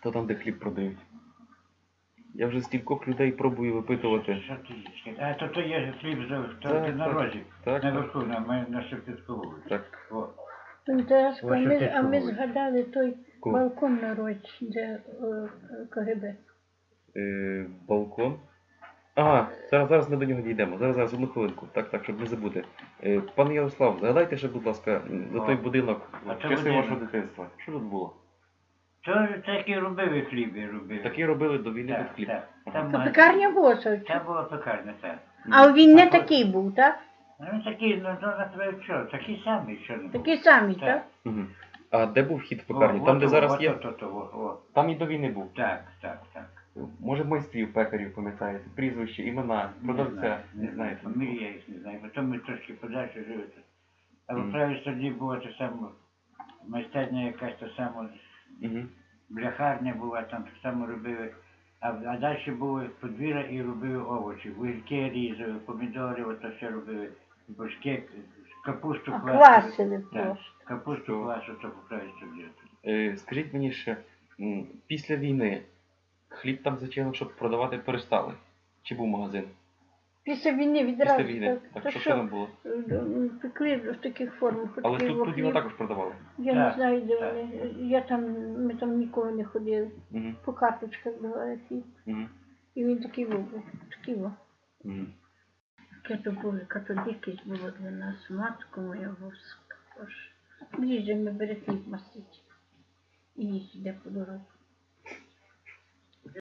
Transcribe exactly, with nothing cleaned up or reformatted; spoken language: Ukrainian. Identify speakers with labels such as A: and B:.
A: То там, де хліб продають. Я вже стількох людей пробую випитувати.
B: Що ти їш? А то то є хліб за- то
A: Так,
B: ти на
A: так,
B: розі.
A: так,
B: Наверху, на, ми- на Шептицьку вулицю.
A: Так.
B: О.
C: Ну, Тараска,
B: Ось
C: ми,
B: отець
C: а ми
B: говорить.
C: згадали той
A: Ко?
C: балкон на році, де е, КГБ.
A: Е, балкон. Ага, зараз, зараз ми до нього дійдемо. Зараз, зараз, одну хвилинку. Так, так, щоб не забути. Е, пане Ярослав, згадайте ще, будь ласка, за той
B: О.
A: будинок
B: А
A: в
B: це
A: часи
B: будинок.
A: вашого дитинства. Що тут було?
B: То такі робили хліби, робили.
A: Такі робили до війни тут
B: Так,
A: хліб.
B: так.
A: Ага.
B: Там
C: То
B: магазин.
C: пекарня була сочі.
B: Це була пекарня, так.
C: А він не
B: А то-
C: такий був, так?
B: Ну він такий, ну то на тебе що, такі самі, що не було.
C: Такі самі,
B: Так.
C: так?
A: Мгм. А де був вхід в
B: О,
A: пекарню?
B: от
A: Там, де
B: о,
A: зараз
B: от
A: є?
B: о, то, то, о, о.
A: Там і до війни був.
B: Так, так, так.
A: Може майстрів пекарів, пам'ятаєте? Прізвище, імена, продавця. Не знаєте?
B: Фамілії я їх не знаю, потім ми трошки подальше жили. А в
A: Мгм.
B: правій тоді була та сама майстерня якась та сама,
A: Мгм.
B: бляхарня була, там так само робили. А, а далі було подвір'я і робили овочі. Вугільки різали, помідори, ото все робили. Бочки, капусту
C: А
B: квасили.
C: квасили
B: Так,
C: просто.
B: капусту квасу, то по правій тоді.
A: Е, Скажіть мені ще, м, після війни хліб там зачали, щоб продавати перестали? Чи був магазин?
C: Після війни відразу.
A: Після війни.
C: Так,
A: Так,
C: то
A: що
C: що,
A: що там було?
C: е, пекли в таких формах.
A: Але
C: пекли
A: тут, тут його
C: хліб.
A: також продавали.
C: Я
B: Так,
C: не знаю, де
B: так.
C: вони. Я там, ми там ніколи не ходили.
A: Угу.
C: По карточках давали хліб.
A: Угу.
C: І він такий був. Такий був.
A: Угу.
C: Яке то було, яка то дикість було для нас, матку моя воска. Їжджемо, бере хліб мастить. І їсть іде по дорозі.